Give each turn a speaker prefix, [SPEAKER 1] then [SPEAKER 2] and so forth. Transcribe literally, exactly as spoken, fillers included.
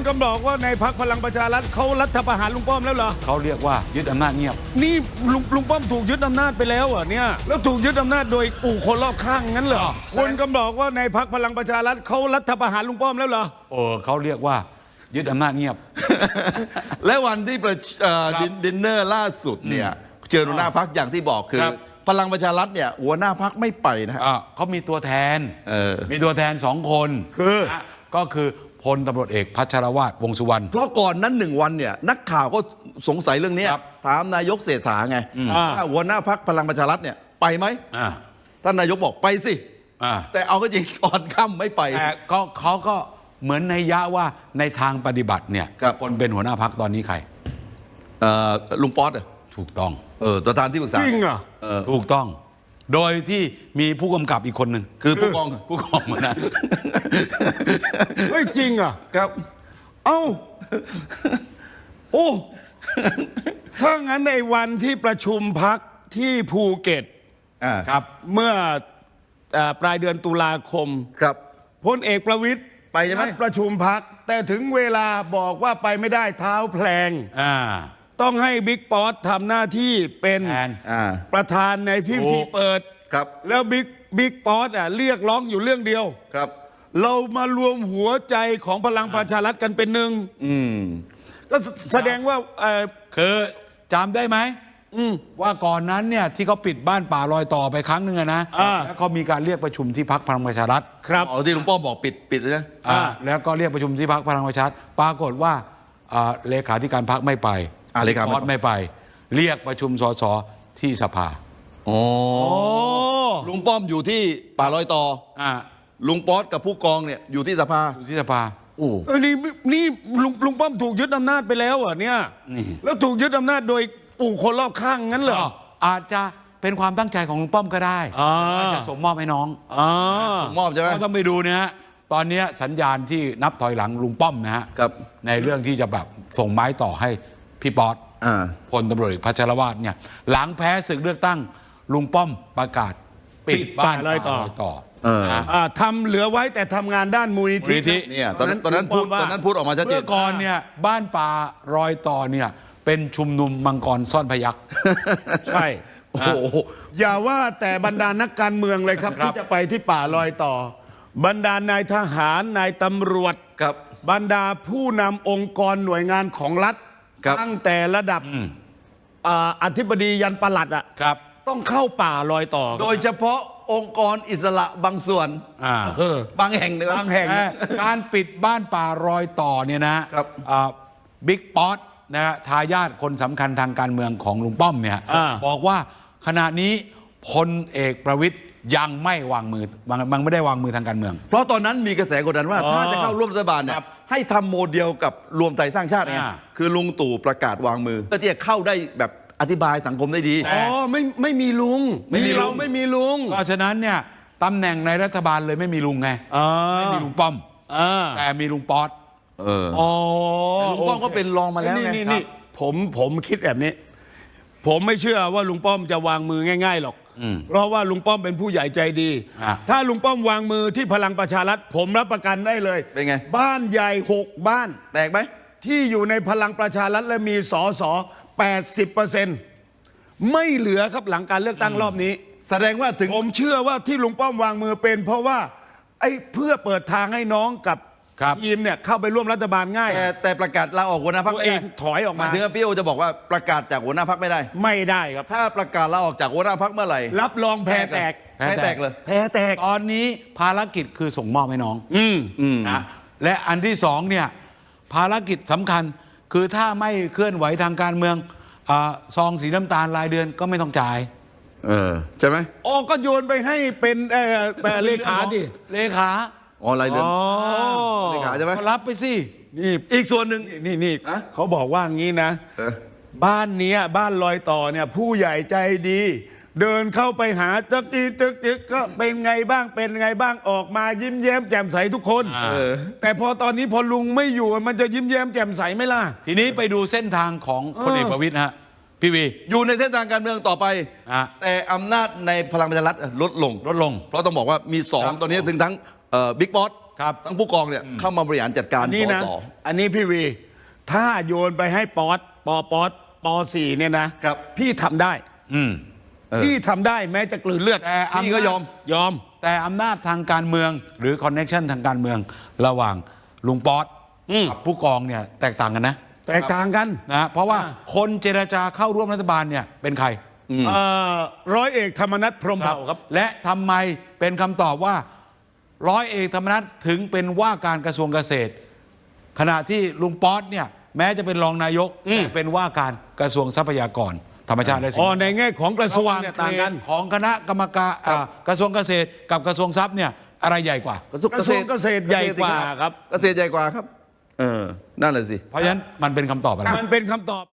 [SPEAKER 1] กำบอกว่าในพรรคพลังประชารัฐเขารัฐประหารลุงป้อมแล้วเหรอ
[SPEAKER 2] เขาเรียกว่ายึดอำนาจเงียบ
[SPEAKER 1] นี่ลุงลุงป้อมถูกยึดอำนาจไปแล้วเหรอเนี่ยแล้วถูกยึดอำนาจโดยปู่คนรอบข้างงั้นเหรอคุณกำบอกว่าในพรรคพลังประชารัฐเขารัฐประหารลุงป้อมแล้วเหรอ
[SPEAKER 2] เออเขาเรียกว่ายึดอำนาจเงียบ
[SPEAKER 3] และวันที่ประชุมดินเนอร์ล่าสุดเนี่ยเจอหัวหน้าพรรคอย่างที่บอกคือพลังประชารัฐเนี่ยหัวหน้าพรรคไม่ไปนะฮะ
[SPEAKER 2] เขามีตัวแทนมีตัวแทนสองคน
[SPEAKER 1] คือ
[SPEAKER 2] ก็คือพลตำรวจเอกพัชรวาทวงษ์สุวรรณ
[SPEAKER 3] เพราะก่อนนั้นหนึ่งวันเนี่ยนักข่าวก็สงสัยเรื่องนี้ถามนายกเศรษฐาไงว่าหัวหน้าพรรคพลังประชารัฐเนี่ยไปไหมท่านนายกบอกไปสิแต่เอาก็จริงตอนค่ำไม่ไป
[SPEAKER 2] แต่ก็เขาก็เหมือนในยะว่าในทางปฏิบัติเนี่ยคนเป็นหัวหน้าพรรคตอนนี้ใคร
[SPEAKER 3] ลุงป๊อตอ่ะ
[SPEAKER 2] ถูกต้อง
[SPEAKER 3] เออประธานที่ปรึกษา
[SPEAKER 1] จริงเหรอ
[SPEAKER 2] ถูกต้องโดยที่มีผู้กำกับอีกคนหนึ่ง
[SPEAKER 3] คือผู้กอง
[SPEAKER 2] ผู้กองเหมือนกัน
[SPEAKER 1] ไม่จริงอ่ะ
[SPEAKER 3] ครับ
[SPEAKER 1] เอ้าโอ้ถ้างั้นในวันที่ประชุมพักที่ภูเก็ต
[SPEAKER 2] ครับ
[SPEAKER 1] เมื่อปลายเดือนตุลาคม
[SPEAKER 3] ครับ
[SPEAKER 1] พลเอกประวิตร
[SPEAKER 3] ไปใช่ไหม
[SPEAKER 1] ประชุมพักแต่ถึงเวลาบอกว่าไปไม่ได้เท้าแพลงต้องให้บิ๊กป๊อตทำหน้าที่เป็นประธานในพิธีเปิด
[SPEAKER 3] ครับ
[SPEAKER 1] แล้วบิ๊กบิ๊กป๊อตอ่ะเรียกร้องอยู่เรื่องเดียว
[SPEAKER 3] ครับ
[SPEAKER 1] เรามารวมหัวใจของพลังประชารัฐกันเป็นหนึ่งก็แสดงว่า
[SPEAKER 2] คือจำได้ไหมว่าก่อนนั้นเนี่ยที่เขาปิดบ้านป่ารอยต่อไปครั้งหนึ่งนะแล้วเขามีการเรียกประชุมที่พรรคพลังประชารัฐ
[SPEAKER 3] ครับอ๋อที่หลวงพ่อบอกปิดปิดเลยนะ
[SPEAKER 2] แล้วก็เรียกประชุมที่พรรคพลังประชารัฐปรากฏว่าเลขาธิการพรรคไม่ไป
[SPEAKER 3] เลขา
[SPEAKER 2] ป๊อตไม่ไปเรียกประชุมสสที่สภา
[SPEAKER 3] อ๋อลุงป้อมอยู่ที่ป่ารอยต่อลุงป๊อตกับผู้กองเนี่ยอยู่ที่สภา
[SPEAKER 2] อยู่ที่สภา
[SPEAKER 1] โอ้นี่นี่ลุงลุงป้อมถูกยึดอำนาจไปแล้วอ่ะเนี่ยแล้วถูกยึดอำนาจโดยปู่คนรอบข้างงั้นเหรอ
[SPEAKER 2] อาจจะเป็นความตั้งใจของลุงป้อมก็ได้อาจจะสมมอบให้น้อง
[SPEAKER 3] สมมอบใช่ไหม
[SPEAKER 2] ต้องไปดูนะฮะตอนนี้สัญญาณที่นับถอยหลังลุงป้อมนะฮะในเรื่องที่จะแบบส่งไม้ต่อให้พี่ป๊อตพลตำรวจเอกพัชรวาทเนี่ยหลังแพ้ศึกเลือกตั้งลุงป้อมประกาศปิดบ้านรอยต่อ
[SPEAKER 1] ทำเหลือไว้แต่ทำงานด้านมูลนิธิ
[SPEAKER 3] เนี่ยตอนนั้นตอนนั้นพูดตอนนั้นพูดออกมาชัดเจน
[SPEAKER 2] เมื่อก่อนเนี่ยบ้านป่ารอยต่อเนี่ยเป็นชุมนุมมังกรซ่อนพยัคฆ์
[SPEAKER 1] ใช่โอ้อย่าว่าแต่บรรดานักการเมืองเลยครับที่จะไปที่ป่ารอยต่อบรรดานายทหารนายตำรวจ
[SPEAKER 3] ครับ
[SPEAKER 1] บรรดาผู้นำองค์กรหน่วยงานของรัฐตั้งแต่ระดับอธิบดียันปลัดอ่ะต้องเข้าป่ารอยต่อ
[SPEAKER 3] โดยเฉพาะองค์กรอิสระบางส่วนบางแห่งเลย
[SPEAKER 1] บางแห่ง
[SPEAKER 2] การปิดบ้านป่ารอยต่อเนี่ยนะบิ๊กป๊อตนะฮะทายาทคนสำคัญทางการเมืองของลุงป้อมเนี่ยบอกว่าขณะนี้พลเอกประวิตรยังไม่วางมือมันไม่ได้วางมือทางการเมือง
[SPEAKER 3] เพราะตอนนั้นมีกระแสกดดันว่าถ้าจะเข้าร่วมรัฐบาลเนี่ยให้ทำโมเดลกับรวมไทยสร้างชาติไงคือลุงตู่ประกาศวางมือเพื่อที่จะเข้าได้แบบอธิบายสังคมได้ดี
[SPEAKER 1] อ๋อไม่ไม่มีลุงไม่มีเราไม่มีลุง
[SPEAKER 2] เพราะฉะนั้นเนี่ยตำแหน่งในรัฐบาลเลยไม่มีลุงไงไม่มีลุงป้อมแต่มีลุงป๊อต
[SPEAKER 3] เอออ๋อลุงป้อมก็เป็นรองมาแล้ว
[SPEAKER 1] นี่นี่ผมผมคิดแบบนี้ผมไม่เชื่อว่าลุงป้อมจะวางมือง่ายๆหรอกเพราะว่าลุงป้อมเป็นผู้ใหญ่ใจดีถ้าลุงป้อมวางมือที่พลังประชารัฐผมรับประกันได้เลย
[SPEAKER 3] เป็นไง
[SPEAKER 1] บ้านใหญ่หกบ้าน
[SPEAKER 3] แตกไหม
[SPEAKER 1] ที่อยู่ในพลังประชารัฐและมีสสแปดสิบเปอร์เซ็นต์ไม่เหลือครับหลังการเลือกตั้งรอบนี้
[SPEAKER 3] แสดงว่าถึง
[SPEAKER 1] ผมเชื่อว่าที่ลุงป้อมวางมือเป็นเพราะว่าไอ้เพื่อเปิดทางให้น้องกับทีมเนี่ยเข้าไปร่วมรัฐบาลง่าย
[SPEAKER 3] แต่แต่ประกาศลาออกหัวหน้าพรรค
[SPEAKER 1] เองถอยออกมา
[SPEAKER 3] ถึงพี่โอจะบอกว่าประกาศจากหัวหน้าพรรคไม่ได้
[SPEAKER 1] ไม่ได้ครับ
[SPEAKER 3] ถ้าประกาศลาออกจากหัวหน้าพรรคเมื่อไหร่
[SPEAKER 1] รับรองแพ้แตก
[SPEAKER 3] แพ้แตกเลย
[SPEAKER 1] แพ้แตก
[SPEAKER 2] ตอนนี้ภารกิจคือส่งมอบให้น้องอืมอืมนะและอันที่สองเนี่ยภารกิจสำคัญคือถ้าไม่เคลื่อนไหวทางการเมืองซองสีน้ำตาลรายเดือนก็ไม่ต้องจ่าย
[SPEAKER 3] เออใช่ไหม
[SPEAKER 1] อ๋อก็โยนไปให้เป็นเลขาดิ
[SPEAKER 2] เลขา
[SPEAKER 3] อ๋อรายเดือนเลขาใช่ไหม
[SPEAKER 2] รับไปสิ
[SPEAKER 1] นี่อีกส่วนหนึ่งนี่นี่เขาบอกว่างี้นะบ้านนี้บ้านลอยต่อเนี่ยผู้ใหญ่ใจดีเดินเข้าไปหาตึกตีตึกตึกก็เป็นไงบ้างเป็นไงบ้างออกมายิ้มแย้มแจ่มใสทุกคนแต่พอตอนนี้พอลุงไม่อยู่มันจะยิ้มแย้มแจ่มใสไหมล่ะ
[SPEAKER 2] ทีนี้ไปดูเส้นทางของพลเอกประวิตรฮะพี่วี
[SPEAKER 3] อยู่ในเส้นทางการเมืองต่อไปแต่อำนาจในพลังประชารัฐลดลง
[SPEAKER 2] ลดลง
[SPEAKER 3] เพราะต้องบอกว่ามีสองตอนนี้ถึงทั้งบิ๊กป๊อต
[SPEAKER 2] ครับ
[SPEAKER 3] ทั้งผู้กองเนี่ยเข้ามาบริหารจัดการ
[SPEAKER 1] อัน
[SPEAKER 3] ส
[SPEAKER 1] นี้นะ
[SPEAKER 3] ส
[SPEAKER 1] อันนี้พี่วี ถ้าโยนไปให้ป๊อตปอป๊อตปอสี่เนี่ยนะครับ พี่ทำได้
[SPEAKER 2] อืม
[SPEAKER 3] เออ
[SPEAKER 1] พี่ทำได้แม้จะกลืนเลือด
[SPEAKER 2] แต่
[SPEAKER 3] พี่ก็ยอม
[SPEAKER 1] ยอม
[SPEAKER 2] แต่อำนาจทางการเมืองหรือคอนเน็ชันทางการเมืองระหว่างลุงป๊อต
[SPEAKER 1] อืม
[SPEAKER 2] กับผู้กองเนี่ยแตกต่างกันนะ
[SPEAKER 1] แตกต่างกัน
[SPEAKER 2] นะเพราะว่า
[SPEAKER 1] อ่า
[SPEAKER 2] คนเจรจาเข้าร่วมรัฐบาลเนี่ยเป็นใคร
[SPEAKER 1] เอ่อร้อยเอกธรรมนัฐพรหมเผ่าครับ
[SPEAKER 2] และทำไมเป็นคำตอบว่าร้อยเอกธรรมนัฐถึงเป็นว่าการกระทรวงเกษตร ขณะที่ลุงป๊อตเนี่ยแม้จะเป็นรองนายก
[SPEAKER 1] อืม
[SPEAKER 2] แต่เป็นว่าการกระทรวงทรัพยากรธรรมชาติและสิ่ง
[SPEAKER 1] อ๋อ
[SPEAKER 2] แวดล้อม
[SPEAKER 1] ในแง่ของกระทรวง
[SPEAKER 2] ระหว่าง
[SPEAKER 1] เนี่ย
[SPEAKER 2] เกร
[SPEAKER 1] ต่างกัน
[SPEAKER 2] ดของคณะกรรมการอ่ากระทรวงเกษตรกับกระทรวงทรัพย์เนี่ยอะไรใหญ่กว่า
[SPEAKER 3] กระทรวง
[SPEAKER 1] กระทรวงเกษตรใหญ่กว่าครับ
[SPEAKER 3] เกษตรใหญ่กว่าครับ เออนั่นแหละสิ
[SPEAKER 2] เพราะฉะนั้นมันเป็นคำตอบอะไร
[SPEAKER 1] มันเป็นคำตอบ